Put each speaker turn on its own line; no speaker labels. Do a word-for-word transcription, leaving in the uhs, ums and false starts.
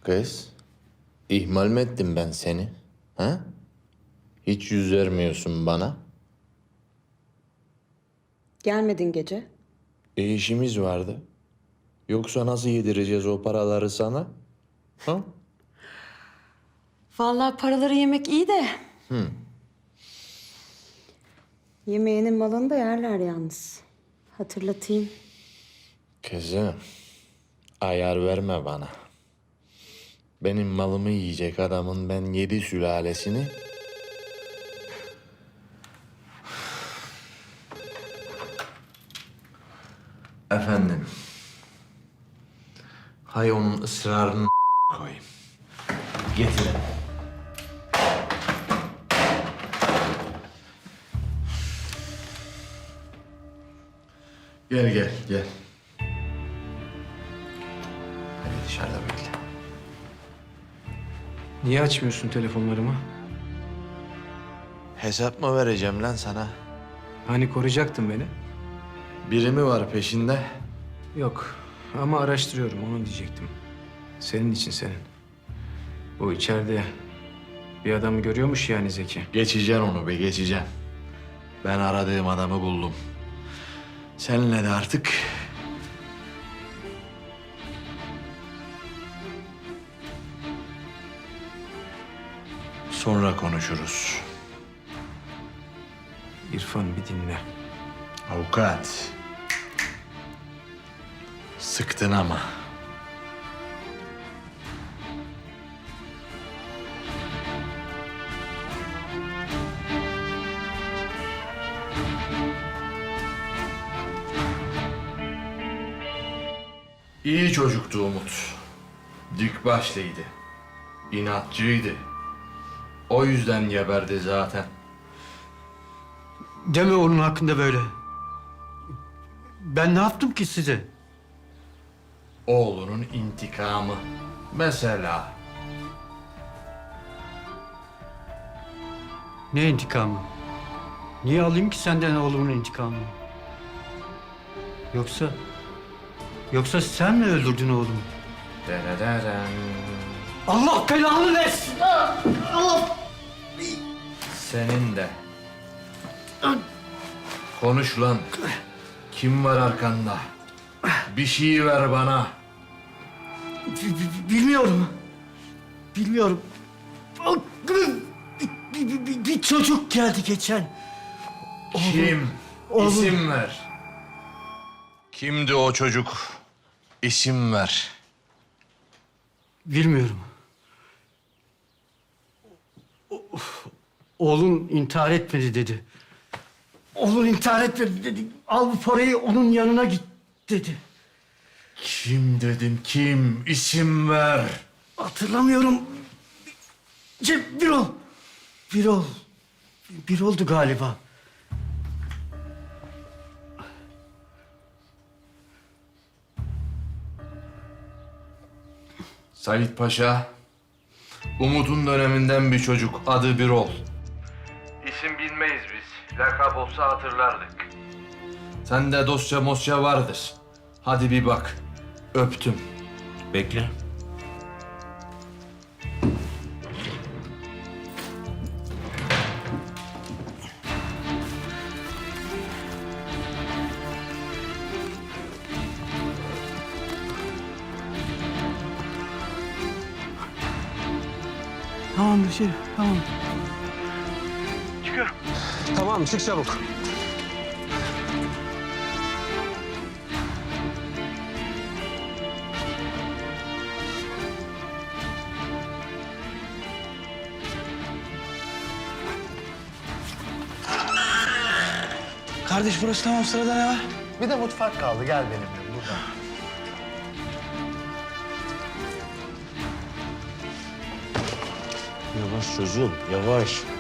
Kız, ihmal mi ettim ben seni? Ha? Hiç yüz vermiyorsun bana.
Gelmedin gece.
E işimiz vardı. Yoksa nasıl yedireceğiz o paraları sana? Ha?
Vallahi paraları yemek iyi de.
Hı.
Yemeğinin malını da yerler yalnız. Hatırlatayım.
Kızım, ayar verme bana. Benim malımı yiyecek adamın ben yedi sülalesini... Efendim. Hay onun ısrarını koyayım. Getirin. Gel gel gel. Hadi dışarıda bekle.
Niye açmıyorsun telefonlarımı?
Hesap mı vereceğim lan sana?
Hani koruyacaktın beni?
Biri mi var peşinde?
Yok ama araştırıyorum onu diyecektim. Senin için senin. Bu içeride bir adamı görüyormuş yani Zeki.
Geçeceksin onu be, geçeceksin. Ben aradığım adamı buldum. Seninle de artık... sonra konuşuruz.
İrfan bir dinle.
Avukat. Sıktın ama. İyi çocuktu Umut. Dik başlıydı. İnatçıydı. O yüzden geberdi zaten.
Deme onun hakkında böyle. Ben ne yaptım ki size?
Oğlunun intikamı. Mesela.
Ne intikamı? Niye alayım ki senden oğlumun intikamını? Yoksa... Yoksa sen mi öldürdün oğlumu?
Derederem.
Allah belanı versin! Allah!
Senin de. Konuş lan. Kim var arkanda? Bir şey ver bana.
B- b- Bilmiyorum. Bilmiyorum. Bir, bir- bir- bir çocuk geldi geçen.
Kim?
oğlum.
İsim ver. Kimdi o çocuk? İsim ver.
Bilmiyorum. O- Oğlun intihar etmedi dedi. Oğlun intihar etmedi dedi. Al bu parayı onun yanına git dedi.
Kim dedim kim? İsim ver.
Hatırlamıyorum. Ce, Birol. Birol. Birol'du galiba.
Sait Paşa. Umut'un döneminden bir çocuk. Adı Birol. İsim bilmeyiz biz. Lakap olsa hatırlardık. Sende dosya mosya vardır. Hadi bir bak. Öptüm. Bekle.
Tamam bir şey. Tamam.
Tamam, çık çabuk.
Kardeş burası tamam, sırada ne var?
Bir de mutfak kaldı. Gel benimle burada.
Yavaş çocuğum, yavaş.